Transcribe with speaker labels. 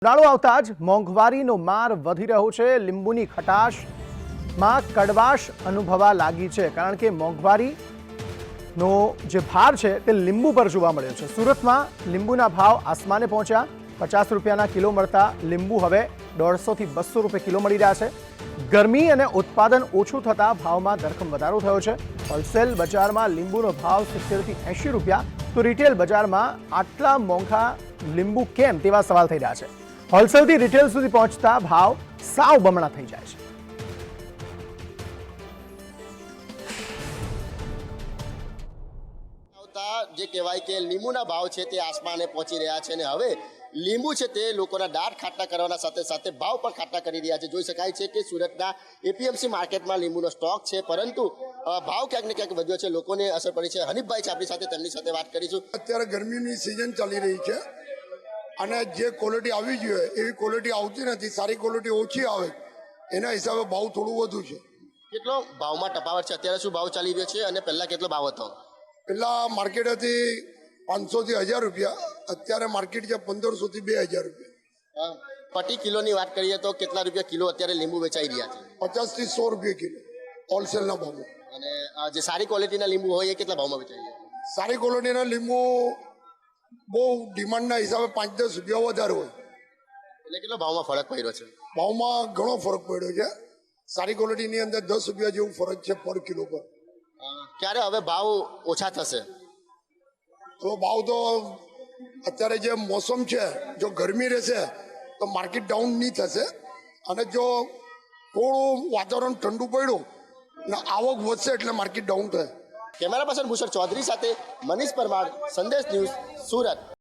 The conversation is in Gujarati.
Speaker 1: ઉનાળો આવતા જ મોંઘવારીનો માર વધી રહ્યો છે। લીંબુની ખટાશમાં કડવાશ અનુભવા લાગી છે, કારણ કે મોંઘવારીનો જે ભાર છે તે લીંબુ પર જોવા મળ્યો છે। સુરતમાં લીંબુના ભાવ આસમાને પહોંચ્યા। 50 રૂપિયાના કિલો મળતા લીંબુ હવે 150 થી 200 રૂપિયા કિલો મળી રહ્યા છે। ગરમી અને ઉત્પાદન ઓછું થતાં ભાવમાં ધરખમ વધારો થયો છે। હોલસેલ બજારમાં લીંબુનો ભાવ 70 થી 80 રૂપિયા, તો રિટેલ બજારમાં આટલા મોંઘા લીંબુ કેમ તેવા સવાલ થઈ રહ્યા છે। હોલસેલથી રિટેલ સુધી પહોંચતા ભાવ સાવ બમણા થઈ જાય છે।
Speaker 2: જે કહેવાય કે લીંબુના ભાવ છે તે આસમાને પહોંચી રહ્યા છે અને હવે લીંબુ છે તે લોકોના દાંત ખાટા કરવાના સાથે સાથે ભાવ પણ ખાટા કરી રહ્યા છે। જોઈ શકાય છે કે સુરતના એપીએમસી માર્કેટમાં લીંબુનો સ્ટોક છે, પરંતુ ભાવ ક્યાંક ને ક્યાંક વધ્યો છે, લોકોને અસર પડી છે। હનીફભાઈ છે આપણી સાથે, તેમની સાથે વાત કરીશું।
Speaker 3: અત્યારે ગરમીની સિઝન ચાલી રહી છે અને જે ક્વોલિટી આવી જોઈએ એવી ક્વોલિટી આવતી નથી, સારી ક્વોલિટી ઓછી આવે, એના હિસાબે ભાવ થોડું વધુ છે।
Speaker 2: કેટલો ભાવમાં તફાવત છે? અત્યારે શું ભાવ ચાલી રહ્યો છે અને પહેલા કેટલો ભાવ હતો?
Speaker 3: પેલા માર્કેટ હતી 500 થી 1000 રૂપિયા, અત્યારે માર્કેટ છે 1500 થી 2000 રૂપિયા।
Speaker 2: પ્રતિ કિલોની વાત કરીએ તો કેટલા રૂપિયા કિલો અત્યારે લીંબુ વેચાઈ રહ્યા છે?
Speaker 3: 50 થી 100 રૂપિયા કિલો હોલસેલના ભાવમાં।
Speaker 2: અને જે સારી ક્વોલિટીના લીંબુ હોય એ કેટલા ભાવમાં વેચાઈ રહ્યા છે?
Speaker 3: સારી ક્વોલિટીના લીંબુ બહુ ડિમાન્ડના હિસાબે 5-10 રૂપિયા વધારે હોય,
Speaker 2: એટલે કેટલો ભાવમાં ફરક પડ્યો છે?
Speaker 3: ભાવમાં ઘણો ફરક પડ્યો છે। સારી ક્વોલિટીની અંદર 10 રૂપિયા જેવું ફરક છે પર કિલો પર।
Speaker 2: ક્યારે હવે ભાવ ઓછા થશે?
Speaker 3: તો ભાવ તો અત્યારે જે મોસમ છે, જો ગરમી રહેશે તો માર્કેટ ડાઉન નહીં થશે, અને જો થોડું વાતાવરણ ઠંડુ પડ્યું ને આવક વધશે એટલે માર્કેટ ડાઉન થાય।
Speaker 2: કેમેરા પર્સન ભૂષણ ચૌધરી સાથે મનીષ પરમાર, સંદેશ ન્યૂઝ, સુરત।